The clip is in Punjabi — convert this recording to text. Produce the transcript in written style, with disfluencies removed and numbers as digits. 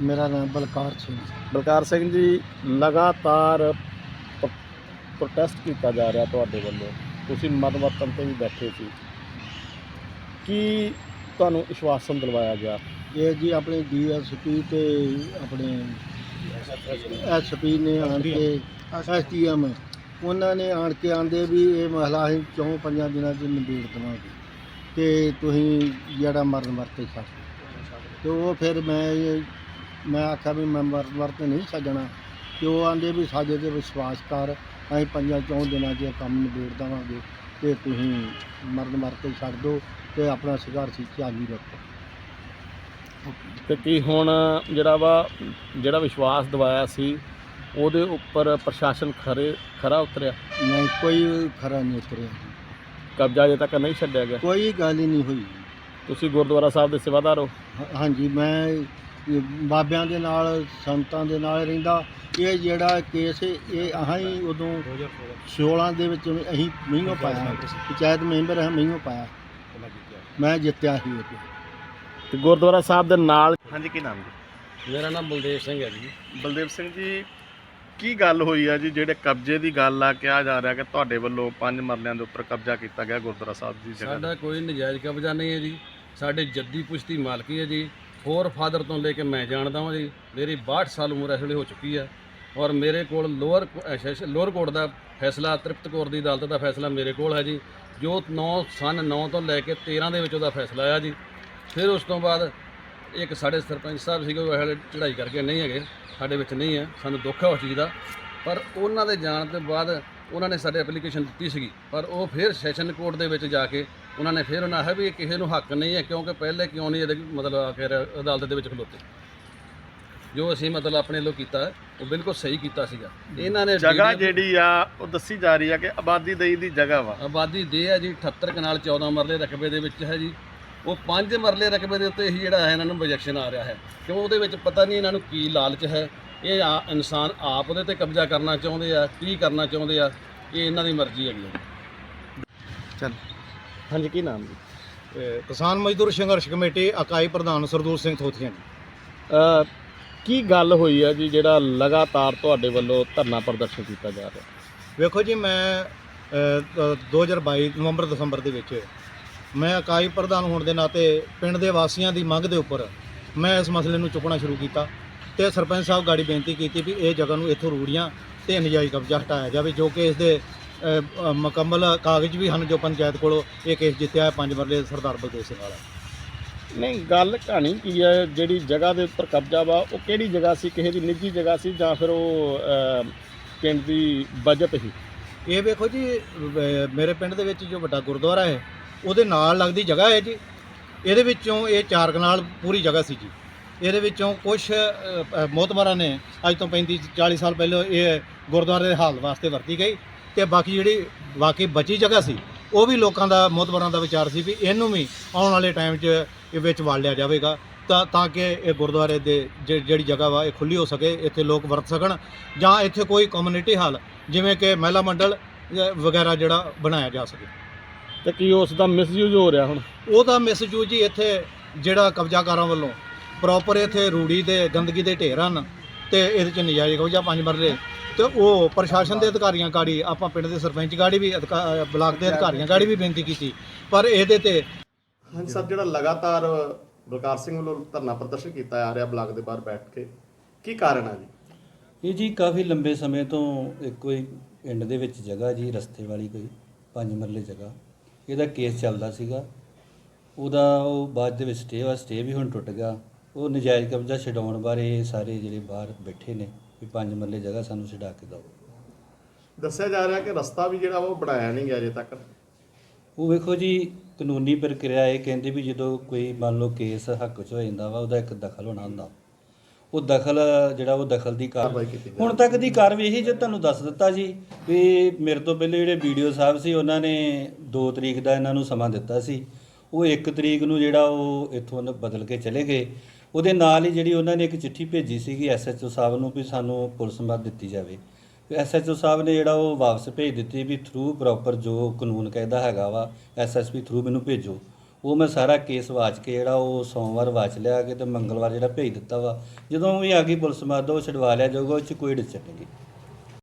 ਮੇਰਾ ਨਾਮ ਬਲਕਾਰ ਸਿੰਘ। ਬਲਕਾਰ ਸਿੰਘ ਜੀ, ਲਗਾਤਾਰ ਪ੍ਰੋਟੈਸਟ ਕੀਤਾ ਜਾ ਰਿਹਾ ਤੁਹਾਡੇ ਵੱਲੋਂ, ਤੁਸੀਂ ਮਰਨ ਵਰਤਨ 'ਤੇ ਵੀ ਬੈਠੇ ਸੀ, ਕੀ ਤੁਹਾਨੂੰ ਵਿਸ਼ਵਾਸਨ ਦਿਲਵਾਇਆ ਗਿਆ? ਇਹ ਜੀ ਆਪਣੇ DSP ਤੇ ਆਪਣੇ SP ਨੇ ਆਣ ਕੇ STM ਉਹਨਾਂ ਨੇ ਆਣ ਕੇ ਆਂਦੇ ਵੀ ਇਹ ਮਸਲਾ ਅਸੀਂ 4-5 ਦਿਨਾਂ 'ਚ ਨਿਬੇੜ ਦੇਵਾਂਗੇ ਅਤੇ ਤੁਸੀਂ ਜਿਹੜਾ ਮਰਨ ਵਰਤੇ ਛੱਡ ਅਤੇ ਉਹ ਫਿਰ ਮੈਂ ਆਖਿਆ ਵੀ ਮੈਂ ਮਰਨ ਵਰਤੇ ਨਹੀਂ ਛੱਡਣਾ ਅਤੇ ਉਹ ਆਂਦੇ ਵੀ ਸਾਡੇ 'ਤੇ ਵਿਸ਼ਵਾਸ ਕਰ, ਅਸੀਂ 5-4 ਦਿਨਾਂ 'ਚ ਕੰਮ ਨਿਬੇੜ ਦੇਵਾਂਗੇ ਅਤੇ ਤੁਸੀਂ ਮਰਨ ਵਰਤੇ ਛੱਡ ਦਿਓ ਅਤੇ ਆਪਣਾ ਸੰਘਰਸ਼ ਜਾਰੀ ਰੱਖੋ। ਅਤੇ ਕੀ ਹੁਣ ਜਿਹੜਾ ਵਿਸ਼ਵਾਸ ਦਿਵਾਇਆ ਸੀ ਉਹਦੇ ਉੱਪਰ ਪ੍ਰਸ਼ਾਸਨ ਖਰਾ ਉਤਰਿਆ? ਨਹੀਂ, ਕੋਈ ਖਰਾ ਨਹੀਂ ਉਤਰਿਆ, ਕਬਜ਼ਾ ਅਜੇ ਤੱਕ ਨਹੀਂ ਛੱਡਿਆ ਗਿਆ? ਕੋਈ ਗੱਲ ਹੀ ਨਹੀਂ ਹੋਈ। ਤੁਸੀਂ ਗੁਰਦੁਆਰਾ ਸਾਹਿਬ ਦੇ ਸੇਵਾਦਾਰ ਹੋ? ਹਾਂਜੀ, ਮੈਂ ਬਾਬਿਆਂ ਦੇ ਨਾਲ ਸੰਤਾਂ ਦੇ ਨਾਲ ਰਹਿੰਦਾ। ਇਹ ਜਿਹੜਾ ਕੇਸ ਇਹ ਅਸੀਂ ਉਦੋਂ 16 ਦੇ ਵਿੱਚ ਅਸੀਂ ਮਹੀਨੋਂ ਪਾਇਆ, ਪੰਚਾਇਤ ਮੈਂਬਰ ਹਾਂ, ਮਹੀਨੋਂ ਪਾਇਆ, ਮੈਂ ਜਿੱਤਿਆ ਸੀ ਉਹ ਤੇ ਗੁਰਦੁਆਰਾ ਸਾਹਿਬ ਦੇ ਨਾਲ। ਹਾਂਜੀ, ਕੀ ਨਾਮ ਜੀ? ਮੇਰਾ ਨਾਮ ਬਲਦੇਵ ਸਿੰਘ ਹੈ ਜੀ। ਬਲਦੇਵ ਸਿੰਘ ਜੀ, ਕੀ ਗੱਲ ਹੋਈ ਆ ਜੀ ਜਿਹੜੇ ਕਬਜ਼ੇ ਦੀ ਗੱਲ ਆ? ਕਿਹਾ ਜਾ ਰਿਹਾ ਕਿ ਤੁਹਾਡੇ ਵੱਲੋਂ 5 ਮਰਲਿਆਂ ਦੇ ਉੱਪਰ ਕਬਜ਼ਾ ਕੀਤਾ ਗਿਆ ਗੁਰਦੁਆਰਾ ਸਾਹਿਬ ਦੀ ਜਗ੍ਹਾ? ਸਾਡਾ ਕੋਈ ਨਜਾਇਜ਼ ਕਬਜ਼ਾ ਨਹੀਂ ਹੈ ਜੀ, ਸਾਡੇ ਜੱਦੀ ਪੁਸ਼ਤੀ ਮਾਲਕੀ ਹੈ ਜੀ। ਫੋਰ ਫਾਦਰ ਤੋਂ ਲੈ ਕੇ ਮੈਂ ਜਾਣਦਾ ਹਾਂ ਜੀ। ਮੇਰੀ 62 ਸਾਲ ਉਮਰ ਇਸ ਵੇਲੇ ਹੋ ਚੁੱਕੀ ਹੈ ਔਰ ਮੇਰੇ ਕੋਲ ਲੋਅਰ ਕੋਰਟ ਦਾ ਫੈਸਲਾ, ਤ੍ਰਿਪਤ ਕੌਰ ਦੀ ਅਦਾਲਤ ਦਾ ਫੈਸਲਾ ਮੇਰੇ ਕੋਲ ਹੈ ਜੀ, ਜੋ 9 ਤੋਂ ਲੈ ਕੇ 13 ਦੇ ਵਿੱਚ ਉਹਦਾ ਫੈਸਲਾ ਆਇਆ ਜੀ। ਫਿਰ ਉਸ ਤੋਂ ਬਾਅਦ ਇੱਕ ਸਾਡੇ ਸਰਪੰਚ ਸਾਹਿਬ ਸੀਗੇ, ਉਹ ਹਲੇ ਚੜ੍ਹਾਈ ਕਰਕੇ ਨਹੀਂ ਹੈਗੇ, ਸਾਡੇ ਵਿੱਚ ਨਹੀਂ ਹੈ, ਸਾਨੂੰ ਦੁੱਖ ਹੈ ਉਸ ਚੀਜ਼ ਦਾ। ਪਰ ਉਹਨਾਂ ਦੇ ਜਾਣ ਤੋਂ ਬਾਅਦ ਉਹਨਾਂ ਨੇ ਸਾਡੇ ਐਪਲੀਕੇਸ਼ਨ ਦਿੱਤੀ ਸੀਗੀ, ਪਰ ਉਹ ਫਿਰ ਸੈਸ਼ਨ ਕੋਰਟ ਦੇ ਵਿੱਚ ਜਾ ਕੇ ਉਹਨਾਂ ਨੇ ਫਿਰ ਉਹਨਾਂ ਆਖਿਆ ਵੀ ਇਹ ਕਿਸੇ ਨੂੰ ਹੱਕ ਨਹੀਂ ਹੈ, ਕਿਉਂਕਿ ਪਹਿਲੇ ਕਿਉਂ ਨਹੀਂ ਇਹਦੇ ਮਤਲਬ ਆਖਿਰ ਅਦਾਲਤ ਦੇ ਵਿੱਚ ਖਲੋਤੇ। ਜੋ ਅਸੀਂ ਮਤਲਬ ਆਪਣੇ ਵੱਲੋਂ ਕੀਤਾ ਉਹ ਬਿਲਕੁਲ ਸਹੀ ਕੀਤਾ ਸੀਗਾ। ਇਹਨਾਂ ਨੇ ਜਗ੍ਹਾ ਜਿਹੜੀ ਆ ਉਹ ਦੱਸੀ ਜਾ ਰਹੀ ਆ ਕਿ ਆਬਾਦੀ ਦੇਈ ਦੀ ਜਗ੍ਹਾ ਵਾ। ਆਬਾਦੀ ਦੇ ਹੈ ਜੀ, 78 ਕਨਾਲ 14 ਮਰਲੇ ਰਕਬੇ ਦੇ ਵਿੱਚ ਹੈ ਜੀ। ਉਹ 5 ਮਰਲੇ ਰਕਬੇ ਦੇ ਉੱਤੇ ਹੀ ਜਿਹੜਾ ਹੈ ਇਹਨਾਂ ਨੂੰ ਪ੍ਰੋਜੈਕਸ਼ਨ ਆ ਰਿਹਾ ਹੈ, ਕਿਉਂ ਉਹਦੇ ਵਿੱਚ ਪਤਾ ਨਹੀਂ ਇਹਨਾਂ ਨੂੰ ਕੀ ਲਾਲਚ ਹੈ। ਇਹ ਇਨਸਾਨ ਆਪ ਉਹਦੇ 'ਤੇ ਕਬਜ਼ਾ ਕਰਨਾ ਚਾਹੁੰਦੇ ਆ, ਕੀ ਕਰਨਾ ਚਾਹੁੰਦੇ ਆ, ਇਹ ਇਹਨਾਂ ਦੀ ਮਰਜ਼ੀ ਹੈਗੀ ਹੈ। ਚੱਲ। ਹਾਂਜੀ, ਕੀ ਨਾਮ ਜੀ? ਕਿਸਾਨ ਮਜ਼ਦੂਰ ਸੰਘਰਸ਼ ਕਮੇਟੀ ਇਕਾਈ ਪ੍ਰਧਾਨ ਸਰਦੂਲ ਸਿੰਘ ਥੋਥੀਆਂ ਜੀ। ਕੀ ਗੱਲ ਹੋਈ ਆ ਜੀ ਜਿਹੜਾ ਲਗਾਤਾਰ ਤੁਹਾਡੇ ਵੱਲੋਂ ਧਰਨਾ ਪ੍ਰਦਰਸ਼ਨ ਕੀਤਾ ਜਾ ਰਿਹਾ? ਵੇਖੋ ਜੀ, ਮੈਂ 2022 ਨਵੰਬਰ ਦਸੰਬਰ ਦੇ ਵਿੱਚ ਮੈਂ ਇਕਾਈ ਪ੍ਰਧਾਨ ਹੋਣ ਦੇ ਨਾਤੇ ਪਿੰਡ ਦੇ ਵਾਸੀਆਂ ਦੀ ਮੰਗ ਦੇ ਉੱਪਰ ਮੈਂ ਇਸ ਮਸਲੇ ਨੂੰ ਚੁੱਕਣਾ ਸ਼ੁਰੂ ਕੀਤਾ ਅਤੇ ਸਰਪੰਚ ਸਾਹਿਬ ਗਾੜੀ ਬੇਨਤੀ ਕੀਤੀ ਵੀ ਇਹ ਜਗ੍ਹਾ ਨੂੰ ਇੱਥੋਂ ਰੂੜੀਆਂ ਅਤੇ ਨਜਾਇਜ਼ ਕਬਜ਼ਾ ਹਟਾਇਆ ਜਾਵੇ, ਜੋ ਕਿ ਇਸ ਦੇ ਮੁਕੰਮਲ ਕਾਗਜ਼ ਵੀ ਹਨ, ਜੋ ਪੰਚਾਇਤ ਕੋਲੋਂ ਇਹ ਕੇਸ ਜਿੱਤਿਆ ਹੈ 5 ਮਰਲੇ ਸਰਦਾਰ ਬਲਦੇਵ ਸਿੰਘ ਵਾਲਾ। ਨਹੀਂ, ਗੱਲ ਕਹਾਣੀ ਕੀ ਹੈ? ਜਿਹੜੀ ਜਗ੍ਹਾ ਦੇ ਉੱਪਰ ਕਬਜ਼ਾ ਵਾ ਉਹ ਕਿਹੜੀ ਜਗ੍ਹਾ ਸੀ? ਕਿਸੇ ਦੀ ਨਿੱਜੀ ਜਗ੍ਹਾ ਸੀ ਜਾਂ ਫਿਰ ਉਹ ਪਿੰਡ ਦੀ ਬਜਟ ਸੀ? ਇਹ ਵੇਖੋ ਜੀ, ਮੇਰੇ ਪਿੰਡ ਦੇ ਵਿੱਚ ਜੋ ਵੱਡਾ ਗੁਰਦੁਆਰਾ ਹੈ ਉਹਦੇ ਨਾਲ ਲੱਗਦੀ ਜਗ੍ਹਾ ਹੈ ਜੀ। ਇਹਦੇ ਵਿੱਚੋਂ ਇਹ 4 ਕਨਾਲ ਪੂਰੀ ਜਗ੍ਹਾ ਸੀ ਜੀ। ਇਹਦੇ ਵਿੱਚੋਂ ਕੁਛ ਮੋਹਤਬਰਾਂ ਨੇ ਅੱਜ ਤੋਂ 35-40 ਸਾਲ ਪਹਿਲਾਂ ਇਹ ਗੁਰਦੁਆਰੇ ਦੇ ਹਾਲ ਵਾਸਤੇ ਵਰਤੀ ਗਈ, ਅਤੇ ਬਾਕੀ ਜਿਹੜੀ ਬਾਕੀ ਬਚੀ ਜਗ੍ਹਾ ਸੀ ਉਹ ਵੀ ਲੋਕਾਂ ਦਾ, ਮੋਹਤਬਰਾਂ ਦਾ ਵਿਚਾਰ ਸੀ ਵੀ ਇਹਨੂੰ ਵੀ ਆਉਣ ਵਾਲੇ ਟਾਈਮ 'ਚ ਇਹ ਵਿੱਚ ਵੜ ਲਿਆ ਜਾਵੇਗਾ ਤਾਂ ਕਿ ਇਹ ਗੁਰਦੁਆਰੇ ਦੇ ਜਿਹੜੀ ਜਗ੍ਹਾ ਵਾ ਇਹ ਖੁੱਲ੍ਹੀ ਹੋ ਸਕੇ, ਇੱਥੇ ਲੋਕ ਵਰਤ ਸਕਣ, ਜਾਂ ਇੱਥੇ ਕੋਈ ਕਮਿਊਨਿਟੀ ਹਾਲ ਜਿਵੇਂ ਕਿ ਮਹਿਲਾ ਮੰਡਲ ਵਗੈਰਾ ਜਿਹੜਾ ਬਣਾਇਆ ਜਾ ਸਕੇ। ਤੇ ਕੀ ਉਸ ਦਾ ਮਿਸਯੂਜ਼ ਹੋ ਰਿਹਾ ਹੁਣ? ਉਹਦਾ ਮਿਸਯੂਜ਼ ਜੀ ਇੱਥੇ ਜਿਹੜਾ ਕਬਜ਼ਾਕਾਰਾਂ ਵੱਲੋਂ ਪ੍ਰੋਪਰ ਇੱਥੇ ਰੂੜੀ ਦੇ ਗੰਦਗੀ ਦੇ ਢੇਰ ਹਨ ਅਤੇ ਇਹਦੇ 'ਚ ਨਜਾਇਜ਼ ਕਬਜ਼ਾ 5 ਮਰਲੇ, ਅਤੇ ਉਹ ਪ੍ਰਸ਼ਾਸਨ ਦੇ ਅਧਿਕਾਰੀਆਂ ਗਾੜੀ, ਆਪਾਂ ਪਿੰਡ ਦੇ ਸਰਪੰਚ ਗਾੜੀ ਵੀ, ਬਲਾਕ ਦੇ ਅਧਿਕਾਰੀਆਂ ਗਾੜੀ ਵੀ ਬੇਨਤੀ ਕੀਤੀ, ਪਰ ਇਹਦੇ 'ਤੇ। ਹਾਂਜੀ ਸਰ, ਜਿਹੜਾ ਲਗਾਤਾਰ ਬਲਕਾਰ ਸਿੰਘ ਵੱਲੋਂ ਧਰਨਾ ਪ੍ਰਦਰਸ਼ਨ ਕੀਤਾ ਆ ਰਿਹਾ ਬਲਾਕ ਦੇ ਬਾਹਰ ਬੈਠ ਕੇ, ਕੀ ਕਾਰਨ ਆ ਜੀ? ਇਹ ਜੀ ਕਾਫੀ ਲੰਬੇ ਸਮੇਂ ਤੋਂ ਕੋਈ ਪਿੰਡ ਦੇ ਵਿੱਚ ਜਗ੍ਹਾ ਜੀ, ਰਸਤੇ ਵਾਲੀ ਕੋਈ 5 ਮਰਲੇ ਜਗ੍ਹਾ, ਇਹਦਾ ਕੇਸ ਚੱਲਦਾ ਸੀਗਾ। ਉਹਦਾ ਉਹ ਬਾਅਦ ਦੇ ਵਿੱਚ ਸਟੇ ਵੀ ਹੁਣ ਟੁੱਟ ਗਿਆ। ਉਹ ਨਜਾਇਜ਼ ਕਬਜ਼ਾ ਛਡਾਉਣ ਬਾਰੇ ਸਾਰੇ ਜਿਹੜੇ ਬਾਹਰ ਬੈਠੇ ਨੇ ਵੀ 5 ਮਰਲੇ ਜਗ੍ਹਾ ਸਾਨੂੰ ਛਡਾ ਕੇ ਦਿਓ। ਦੱਸਿਆ ਜਾ ਰਿਹਾ ਕਿ ਰਸਤਾ ਵੀ ਜਿਹੜਾ ਉਹ ਬਣਾਇਆ ਨਹੀਂ ਗਿਆ ਅਜੇ ਤੱਕ। ਉਹ ਵੇਖੋ ਜੀ, ਕਾਨੂੰਨੀ ਪ੍ਰਕਿਰਿਆ ਇਹ ਕਹਿੰਦੇ ਵੀ ਜਦੋਂ ਕੋਈ ਮੰਨ ਲਓ ਕੇਸ ਹੱਕ 'ਚ ਹੋ ਜਾਂਦਾ ਵਾ, ਉਹਦਾ ਇੱਕ ਦਖਲ ਹੋਣਾ ਹੁੰਦਾ। ਉਹ ਦਖਲ ਜਿਹੜਾ ਉਹ ਦਖਲ ਦੀ ਕਾਰਵਾਈ ਕੀਤੀ ਹੁਣ ਤੱਕ ਦੀ ਕਾਰਵਾਈ ਇਹੀ ਜੋ ਤੁਹਾਨੂੰ ਦੱਸ ਦਿੱਤਾ ਜੀ ਵੀ ਮੇਰੇ ਤੋਂ ਪਹਿਲੇ ਜਿਹੜੇ ਵੀਡੀਓ ਸਾਹਿਬ ਸੀ ਉਹਨਾਂ ਨੇ 2 ਤਰੀਕ ਦਾ ਇਹਨਾਂ ਨੂੰ ਸਮਾਂ ਦਿੱਤਾ ਸੀ। ਉਹ 1 ਤਰੀਕ ਨੂੰ ਜਿਹੜਾ ਉਹ ਇੱਥੋਂ ਬਦਲ ਕੇ ਚਲੇ ਗਏ। ਉਹਦੇ ਨਾਲ ਹੀ ਜਿਹੜੀ ਉਹਨਾਂ ਨੇ ਇੱਕ ਚਿੱਠੀ ਭੇਜੀ ਸੀਗੀ SHO ਸਾਹਿਬ ਨੂੰ ਵੀ ਸਾਨੂੰ ਪੁਲਿਸ ਮਦਦ ਦਿੱਤੀ ਜਾਵੇ। SHO ਸਾਹਿਬ ਨੇ ਜਿਹੜਾ ਉਹ ਵਾਪਸ ਭੇਜ ਦਿੱਤੀ ਵੀ ਥਰੂ ਪ੍ਰੋਪਰ ਜੋ ਕਾਨੂੰਨ ਕਹਿੰਦਾ ਹੈਗਾ ਵਾ SSP ਥਰੂ ਮੈਨੂੰ ਭੇਜੋ। ਉਹ ਮੈਂ ਸਾਰਾ ਕੇਸ ਵਾਚ ਕੇ ਜਿਹੜਾ ਉਹ ਸੋਮਵਾਰ ਵਾਚ ਲਿਆ ਕਿ ਤੇ ਮੰਗਲਵਾਰ ਜਿਹੜਾ ਭੇਜ ਦਿੱਤਾ ਵਾ। ਜਦੋਂ ਵੀ ਆ ਗਈ ਪੁਲਿਸ ਮਦਦ ਉਹ ਛਡਵਾ ਲਿਆ ਜਾਊਗਾ, ਉਹ 'ਚ ਕੋਈ ਡਿਸਚਨ ਨਹੀਂ ਗੀ।